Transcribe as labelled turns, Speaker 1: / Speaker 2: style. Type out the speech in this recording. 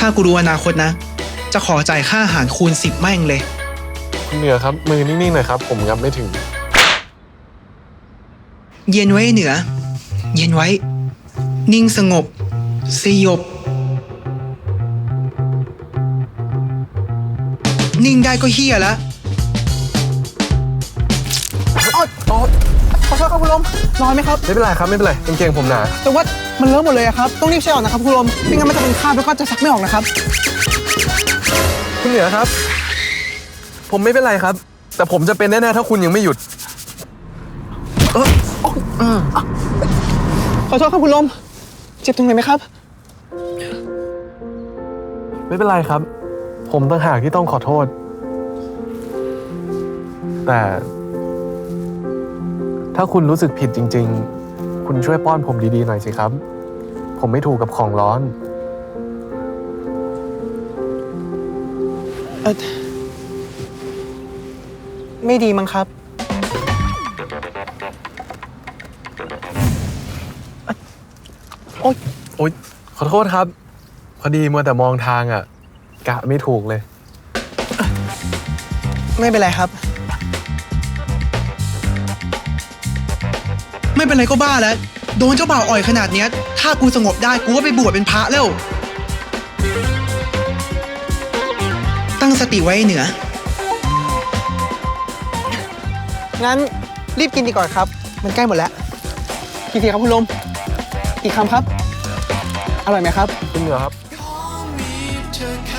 Speaker 1: ถ้ากูรู้อนาคตนะ จะขอจ่ายค่าอาหารคูณ10แม่งเลย
Speaker 2: คุณเหนือครับมือนิ่งๆหน่อยครับผมงับไม่ถึง
Speaker 1: เย็นไว้เหนือ เย็นไว้ นิ่งสงบ สยบ นิ่งได้ก็เฮียแล้ว
Speaker 3: ขอโทษครับคุณลมร้อนไหมครับ
Speaker 2: ไม่เป็นไรครับไม่เป็นไรกางเกงผมหนา
Speaker 3: แต่ว่ามันเลอะหมดเลยอะครับ ต้องรีบใช้ออกนะครับคุณลมไม่งั้นมันจะเป็นคราบแล้วก็จะซักไม่ออกนะครับ
Speaker 2: คุณเหนือครับ ผมไม่เป็นไรครับ แต่ผมจะเป็นแน่ๆถ้าคุณยังไม่หยุด
Speaker 3: ขอโทษครับคุณลมเจ็บตรงไหนไหมครับ
Speaker 2: ไม่เป็นไรครับ ผมต่างหากที่ต้องขอโทษ แต่ถ้าคุณรู้สึกผิดจริงๆ คุณช่วยป้อนผมดีๆหน่อยสิครับ ผมไม่ถูกกับของร้อน
Speaker 3: ไม่ดีมั้งครับ
Speaker 2: โอ๊ยขอโทษครับ พอดีมัวแต่มองทางอ่ะ กะไม่ถูกเลย
Speaker 3: ไม่เป็นไรครับ
Speaker 1: ไม่เป็นไรก็บ้าแล้ว โดนเจ้าบ่าวอ่อยขนาดเนี้ย ถ้ากูสงบได้กูก็ไปบวชเป็นพระแล้ว ตั้งสติไว้เหนือ
Speaker 3: งั้นรีบกินดีกว่าครับ มันใกล้หมดแล้วกี่ทีครับคุณลมอีกคำครับ อร่อยไหมครับ
Speaker 2: คุณเหนือครับ
Speaker 1: ขอมีเธอแค่